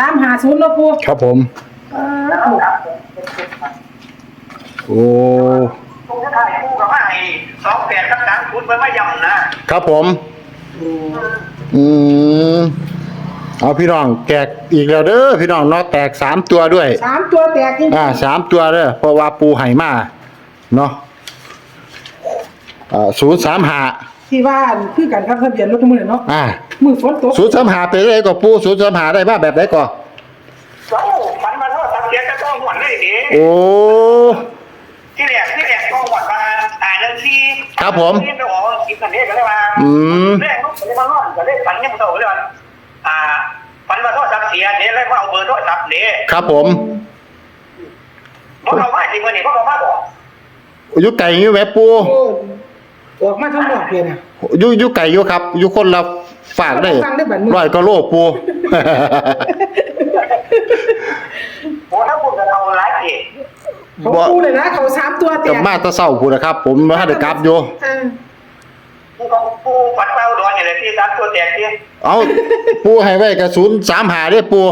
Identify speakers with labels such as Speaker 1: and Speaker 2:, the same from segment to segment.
Speaker 1: 350เนาะปู
Speaker 2: ครับผมโอ้
Speaker 3: ผมจะถ่ายคู่กับว่าไอ้28กับ30มันไม่ย่ำนะครับ
Speaker 2: ผมเอาพี่น้องแตกอีกแล้วเด้อพี่น้องเนาะแตก3ตัวด้วย
Speaker 1: 3ตัวแตกจริง
Speaker 2: 3ตัวเด้อเพราะว่าปูให้มาเนาะ035
Speaker 1: ที่ว่าคือกันครับทะเบียนรถมื้อเนาะมือฝนตก
Speaker 2: 035ไปได้ก็ปู035ได้มาแบบไหนก่อ
Speaker 3: ฝันมาเท่าสักเสียจะต้องหวนเลยดิ
Speaker 2: โอ้
Speaker 3: ที่แรกต้องหวนมาเรื่องที่
Speaker 2: ครับผม
Speaker 3: ที่ไปออกกินกันเนี่ยก็เลยมาแรกก็เลยมานอนก็เลยฝันยังโตเลยว่าฝันมาเท่าสักเสียเนี่ยเลยว่าเอาเบอร์โทรศัพท์เนี่ย
Speaker 2: ครับผม
Speaker 3: เพราะเราว่าจริงวันนี้เพราะเราว่าบอก
Speaker 2: อยู่ไก่อยู่แม่ปู
Speaker 1: ออกมาทั้งหมดเลยนะ
Speaker 2: อยู่ไก่อยู่ครับอยู่คนละฝากได้100 กว่าโลปู
Speaker 3: โอ้ถ้าพูดกับเราหลายเอก
Speaker 1: เขาปูเลยนะเขา3ตัวแตก
Speaker 2: มาตะเศร้าพูดนะครับผมมาให้ได้กลับอยู่
Speaker 3: ปูฝันเป้าดอนอย่างไรที่3ตัวแตกที่
Speaker 2: เอาปูให้ไว้กับ035ได้ปู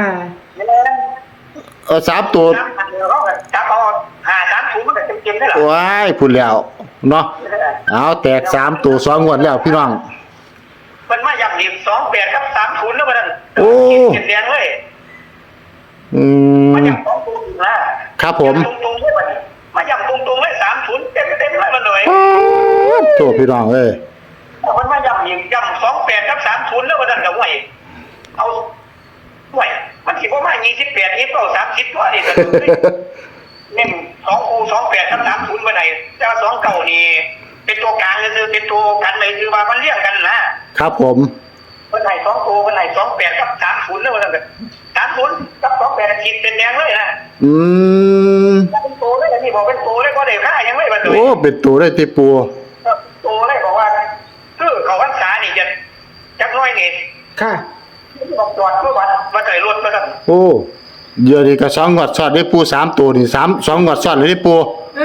Speaker 2: 3ตัว
Speaker 3: จับเอา530มันก็เต็มๆได้หรอ
Speaker 2: ว้ายพูดแล้วเนาะเอาแตก3ตัว2งวดแล้วพี่น้อง
Speaker 3: มันมาย่ำดิบ28กับ30แล้วมัน
Speaker 2: โอ้
Speaker 3: เขียนแดงเลยมาย่ำ2ตัวนะครับ
Speaker 2: ผม
Speaker 3: ตรงๆเลยมาย่ำตรงๆเลย30เต็มเลยมันหน่อย
Speaker 2: โทษพี่น้องเอ้ย
Speaker 3: มันมาย่ำดิบย่ำ28กับ30แล้วมันก็ไหวเอาไหวมันสิบ่มา28นี่เปล่า30ตัวนี่เน้น2คู่28กับ30ไปไหนแต่ว่า2เก่านี่เป็นตัวกลางคือเป็นตัวกันเลยคือว่ามันเรียกกันนะครับ
Speaker 2: ผม
Speaker 3: วันไหน2ตัววันไหน28กับ30แล้วมันก็30กับ28ขีดเป็นแดงเลยนะเป็นตัวเลยนี่บอกเป็นตัวเลยก็ได้ค่ายังไม่บรรลุ
Speaker 2: โอ้เป็นตัวได้ที่ปู
Speaker 3: ตัวเลยบอกว่าคือเขาพรรษานี่จะจักน้อยนี่
Speaker 1: ค่ะ
Speaker 3: บอกจอดเพื่อวัดใจรถมาครับ
Speaker 2: โอ้เดี๋ยวนี้ก็2 งวดซ้อนได้ปู3ตัวนี่2 งวดซ้อนเลยได้ปู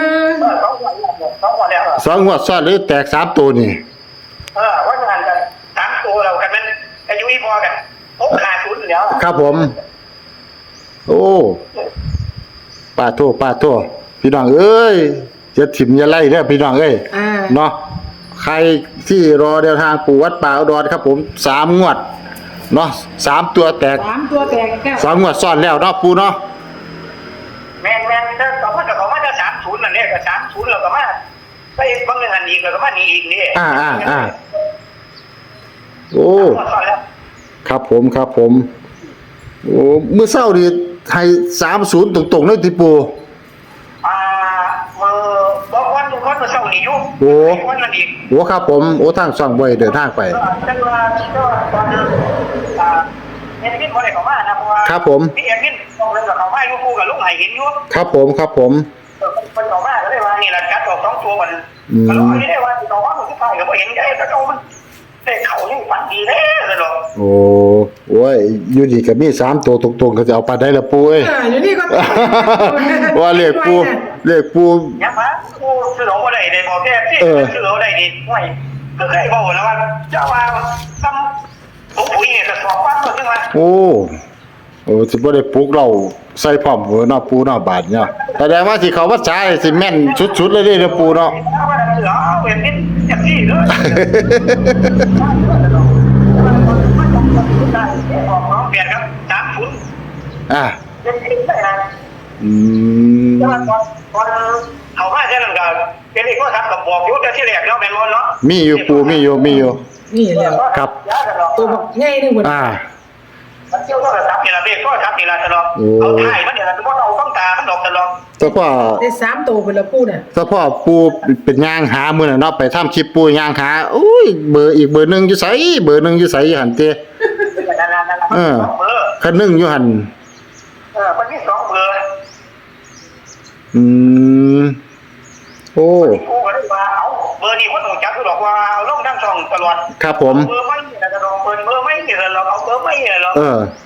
Speaker 2: 2 งวดซ้อนเลยแตก3ตัวนี่
Speaker 3: ว่างานกัน3ตัวเรากันมันอายุพอกัน650แล้ว
Speaker 2: ครับผมโอ้ป้าโทพี่น้องเอ้ยจะถิ่มอย่าไล่เด้อพี่น้องเอ้ยเนาะใครที่รอเดินทางปู่วัดป่าอุดรครับผม3 งวดเนาะ3 ตัวแตก
Speaker 1: 3 ตัวแตกแก้ว
Speaker 2: 2 งวดซ้อนแล้วเนาะปู่เนาะ
Speaker 3: แม่นถ้าต่อมาจะ30นั่นเนี่ยก็30แล้วก็มาไปบางเรื่องอันอีกแล้วก็มานี่อีกนี่
Speaker 2: โอ้ครับผมโอ้มื้อเช้านี่ให้30ตรงๆเลยที่ปู่
Speaker 3: มือบอกวันมื้อเช้านี่อยู่วันนั้นอีก
Speaker 2: โอ้ครับผมโอ้ทางช่องบ่ได้เดินทางไป
Speaker 3: จังว่าตอนเอ็นวินบ่ได้เข้ามานะเพราะว่า
Speaker 2: ครับผม
Speaker 3: พี่เอ็นวินลงเรื่องกับเขามาอยู่คู่กับลุงให้เห็นอยู่
Speaker 2: ครับผม
Speaker 3: มันเข้ามาก็เลยว่านี่ล่ะจัดออก2ตัวมันก็รู้ได้ว่าสิเอาว่าสุดท้ายก็บ่เห็นได้แต่เอามันแต่เขายังฝันดีแท้เลยเนาะ
Speaker 2: โอ้ยอยู่ดีก็มี3ตัวตรงๆก็จะเอาไปได้ละปู่เอ้ย
Speaker 1: อยู่นี่ก็
Speaker 2: ว่าเลขปู่
Speaker 3: ยังมาปู่ซื้อเอาบ่ได้บอกแค่ที่ซื้อเอาได้นี่ห่วยก็เคยบอกแล้วว่าเจ้าว่าซ้ำผมปุ๋ยเนี่ยจะสอบฟังก็ถึงว่า
Speaker 2: โอ้สิบ่ได้ปลุกเราใส่พร้อมหัวเนาะปู่เนาะบาดเนี่ยแสดงว่าสิเขาวัดสายสิแม่นสุดๆเลยเด้อปู่เนาะ
Speaker 3: เอาเห็นนิดจังซี่เด้อออกน้องเปลี่ยนครับ30ยังคิดได้นะตอนเอามาแค่นั้นก็เป็นอีกว่าครับกับบอกอยู่แต่ที่แรกเนาะแม่นบ่เนาะ
Speaker 2: มีอยู่ปู่มีอยู่
Speaker 1: นี่แล้ว
Speaker 2: ครับ
Speaker 1: ตัวใหญ่นึงพุ่น
Speaker 3: มันเกี่ยวกับทรัพย์นี่ล่ะเด้ก็ทรัพย์นี่ล่ะตลอดเอาถ่ายมันเนี่ยบ่เอาต้องตามันดอกตลอด
Speaker 2: แต่พ่อ
Speaker 1: ได้3ตัวพุ่นละปู่น่ะ
Speaker 2: แต่พ่อปู่เป็นย่างหามื้อน่ะเนาะไปทำคลิปปู่ย่างหาอุ้ยเบอร์อีกเบอร์นึงอยู่ไสหั่นเต้คันนึงอยู่หั่น
Speaker 3: มันมี2เบอร์
Speaker 2: โอ้
Speaker 3: ปู่ก็เลยว่าเอาเบอร์นี้บ่ต้องจับดอกว่าเอาลงทั้งช่องตลอด
Speaker 2: ครับผม
Speaker 3: เบอร์ไม่นี่ล่ะจะลองเบอร์ไม่นี่ล่ะเราเอาเบอร์ไม่นี่ล่ะ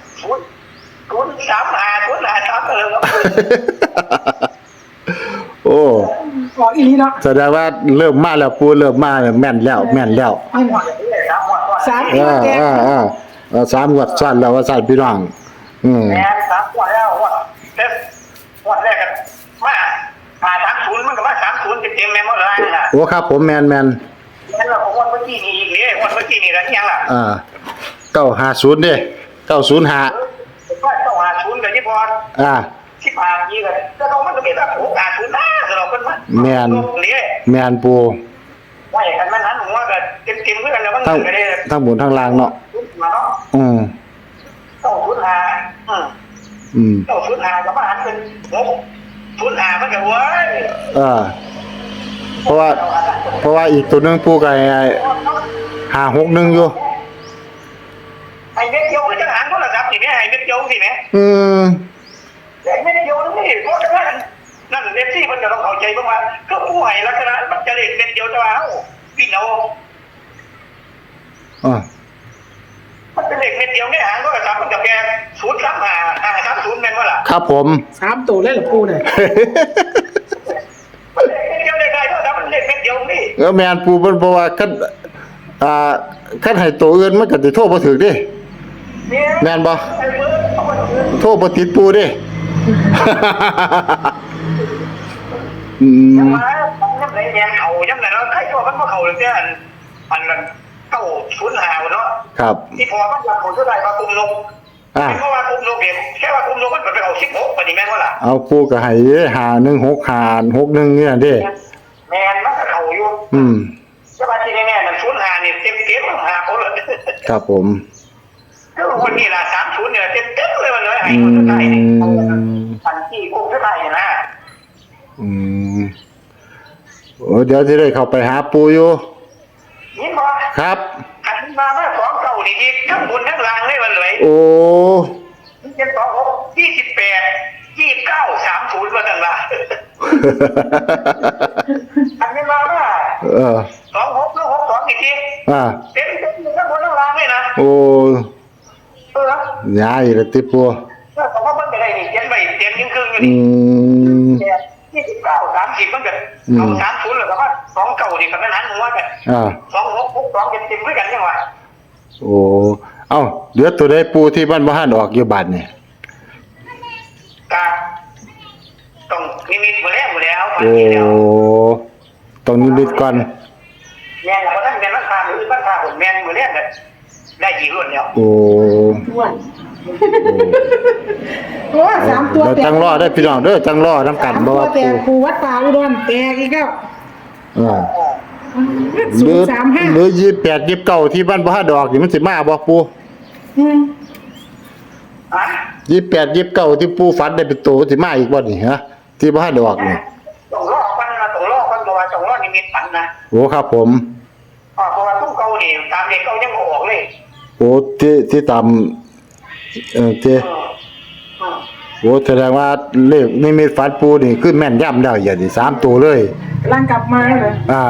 Speaker 3: 035เลยครับ
Speaker 2: โอ้
Speaker 1: อีหลีเนาะ
Speaker 2: แสดงว่าเริ่มมาแล้วปู่เริ่มมาแม่นแล้ว3
Speaker 1: ตัวแตก
Speaker 2: 3 งวดซ้อนแล้วว่าซั่นพี่น้อง
Speaker 3: แม่น3วันแล้วว่าแต่วันแรกกันมา30มันก็มา30เต็มๆแม่นบ่ล่ะน่ะ
Speaker 2: โอ้ครับผมแมน
Speaker 3: แล้วเราวันเมื่อกี้นี่อีกนี่วันเมื่อกี้นี่แล้วยังล่ะ
Speaker 2: 950เด้905
Speaker 3: ก็ต้องหาศูนย์กับที่พอที่ผ่านนี้เลยก็ต้องมันก็มีแบบ650นะสำหรับคนมัน
Speaker 2: แม่น
Speaker 3: นี่
Speaker 2: แมนปู
Speaker 3: ว่าอย่างนั้นมันหันหัวก็เต็มๆเพื่อนแล้วมัน
Speaker 2: ทั้ง
Speaker 3: ก็ได้
Speaker 2: ทั้งบนทั้งล่างเนาะ
Speaker 3: มาเนาะ ต้องศูนย์หาต้องศูนย์หาก็มาหันเป็นศูนย์หามันก็เว้ย
Speaker 2: เพราะว่าอีกตัวหนึงปูก็561อยู่
Speaker 3: ไอ้เม็ดเดียวก็จะหันโทรศัพท์สิแม่ไอ้เม็ดเดียวสิแม่แต่เม็ดเดียวนี่เพราะฉะนั้นนั่นเม็ดที่มันจะต้องเข้าใจบ้างว่าก็ผู้ให้ลักษณะมันจะเล็กเม็ดเดียวจะว่าพี่น้องมันเป็นเล็กเม็ดเดียวไม่หางโทรศัพท์มันจะแค่035 530แม่นว่าล่ะ
Speaker 2: ครับผม
Speaker 1: 3ตัวเลยเหรอปูเนี่ย
Speaker 3: มันเล็กเม็ดเดียวได้โทรศัพท์มันเล็กเม็ดเดียวนี่
Speaker 2: แมนปูเพิ่นบอกว่าคันให้ตัวอื่นมันก็สิโทรบ่ถึกเด้แม่นบ่โทรบ่ติดปูเด้
Speaker 3: ยังมายังไหนแดงเขายังไหนเนาะใครตัวมันบ่เข้าเลยแต่อันนั้นเข้าศูนย์หาเนาะ
Speaker 2: ครับ
Speaker 3: ที่พอมันยังคนเท่าไหร่ว่าคุมลงเพราะว่าคุมลงเองแค่ว่าคุมลงมันไปเอา16ปฏิแม่นว่าล่ะ
Speaker 2: เอาปูก็ให้51661เนี่ยเด้
Speaker 3: แม่นมันก็เข้าอยู่จะมาที่แน่ๆมันศูนย์หานี่เต็มเก็บหาคนเลย
Speaker 2: ครับผม
Speaker 3: ก็วันนี้ล่ะ30เนี่ยเต็มเลยมันเลยให้คนเท่าไหร่นี่อันที่พวกเท่าไหร่นะ
Speaker 2: โอ้เดี๋ยวจะได้เข้าไปหาปูอยู่
Speaker 3: นี่พอ
Speaker 2: ครับ
Speaker 3: อันมาเมื่อ2เก่านี่ที่ทั้งบนทั้งล่างเลยมันเลย
Speaker 2: โอ้
Speaker 3: เป็น26 28 29 30ว่าจังล่ะอันนี้มาว่า26แล้ว62อีกทีเต็มทั้งบนทั้งล่างเลยนะ
Speaker 2: โอ้ย้ายเลยติปู
Speaker 3: แต่ว่ามันก็ได้นี่เขียนไว้เต็มยิ่งครึ่งอยู่นี่29 30มันก็เอา30แล้วก็ว่า2เก่านี่ก็มันหันหัวกัน26 62เต็มด้วยกันจังว่า
Speaker 2: โอ้เอ้าเหลือตัวใดปูที่บ้านบ่ทันออกอยู่บัดนี่
Speaker 3: ต้องนิมิตหมดแล้ว
Speaker 2: โอ้ต้องนิมิตก่อน
Speaker 3: แม่นแล้วท่านเป็นราคาหรือราคาผมแม่นหมดแล้วได้กี่รุ่นแล้ว
Speaker 2: โอ้
Speaker 1: 3ตัว
Speaker 2: จังรอได้พี่น้องเด้อจังรอนํกันบ่ว่า
Speaker 1: ปูวัดป่าอุดรแตกอีกแล้ว
Speaker 2: 035หรือ28 29ที่บ้านบ่ทันออกนี่มันสิมาบ่ปู28 29ที่ปูฝันได้เป็นโตสิมาอีกบ่นี่ฮะที่บ่ทันออกนี่
Speaker 3: ต้องรอกันนะต้องรอกันบ่ว่าต้องรอนิมิตฝันนะ
Speaker 2: โอ้ครับผม
Speaker 3: เพราะว่าตู้เก่านี่ตามเด็กเก่ายังบ่ออกเลย
Speaker 2: โอ้ที่ตามโอ้แสดงว่าเลขนิมิตฝันปูนี่คือแม่นยำแล้วอย่างนี้3ตัวเลย
Speaker 1: กำลังกลับมาเลย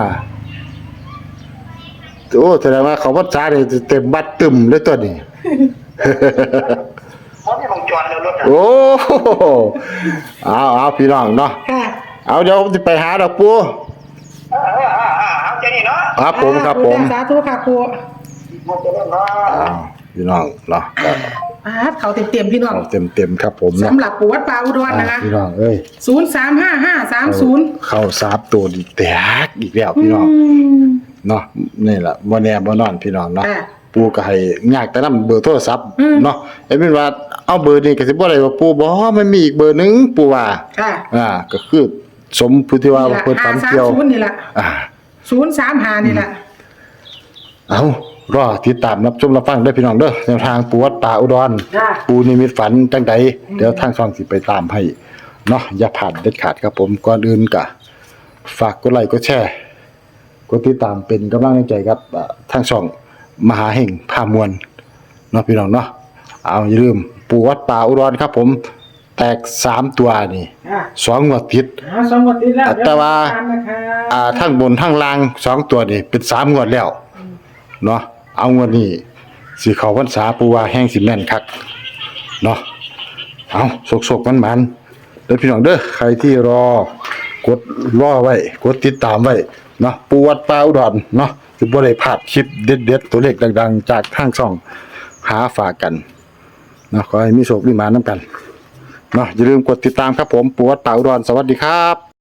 Speaker 2: โอ้แสดงว่าเขาวัดช้านี่เต็มบัดตึมเลยตัวนี้
Speaker 3: เพราะที่วงจรแล้วรถ
Speaker 2: โอ้เอาพี่น้องเนาะเอาเดี๋ยวผมจะไปหาดอกปู
Speaker 3: เอาใจนี่เนาะ
Speaker 2: ครับผม
Speaker 1: สาธุค่ะครู
Speaker 2: พี่น้องเนาะ
Speaker 1: เขาเต็มพี่น้อง
Speaker 2: เต็มครับผม
Speaker 1: สำหรับปูวัดป่าอุดรนะคะ
Speaker 2: พี่น้องเอ้ย
Speaker 1: 035-530
Speaker 2: เข้า3ตัวดีแตกอีกแล้วพี่น้องเนาะนี่แหละบ่แน่บ่นอนพี่น้องเนาะปูก็ให้ยากแต่นำเบอร์โทรศัพท์เนาะไอ้เป็นว่าเอาเบอร์นี้ก็สิบ่ได้ว่าปูบ่มันมีอีกเบอร์นึงปูว่าก็คือสมผู้ที่ว่าเพิ่นฝันเกี่ยว
Speaker 1: นี่ล่ะ035นี่ล่ะ
Speaker 2: เอารอติดตามรับชมรับฟังได้พี่น้องเด้อแนวทางปูวัดป่าอุดรปูนิมิตฝันจังใดเดี๋ยวทางช่องสิไปตามให้เนาะอย่าผ่านเด็ดขาดครับผมก่อนอื่นก็ฝากกดไลค์กดแชร์กดติดตามเป็นกำลังใจครับทางช่องมหาเฮงพามวลเนาะพี่น้องเนาะเอาอย่าลืมปูวัดป่าอุดรครับผมแตก3ตัวนี่2งวดติด
Speaker 1: 2งวดติดแล้ว
Speaker 2: แต่ว่าทั้งบนทั้งล่าง2ตัวนี่เป็น3งวดแล้วเนาะเอางวดนี้สิเข้าพรรษาปูว่าแห้งสิแม่นคักเนาะเอาสกๆมันๆเด้อพี่น้องเด้อใครที่กดรอไว้กดติดตามไว้เนาะปูวัดป่าอุดรเนาะสิบ่ได้พลาดคลิปเด็ดๆตัวเลขดังๆจากทางช่องหาฝากกันเนาะขอให้มีโชคมีหมาน้ำกันเนาะอย่าลืมกดติดตามครับผมปู่วัดป่าอุดรสวัสดีครับ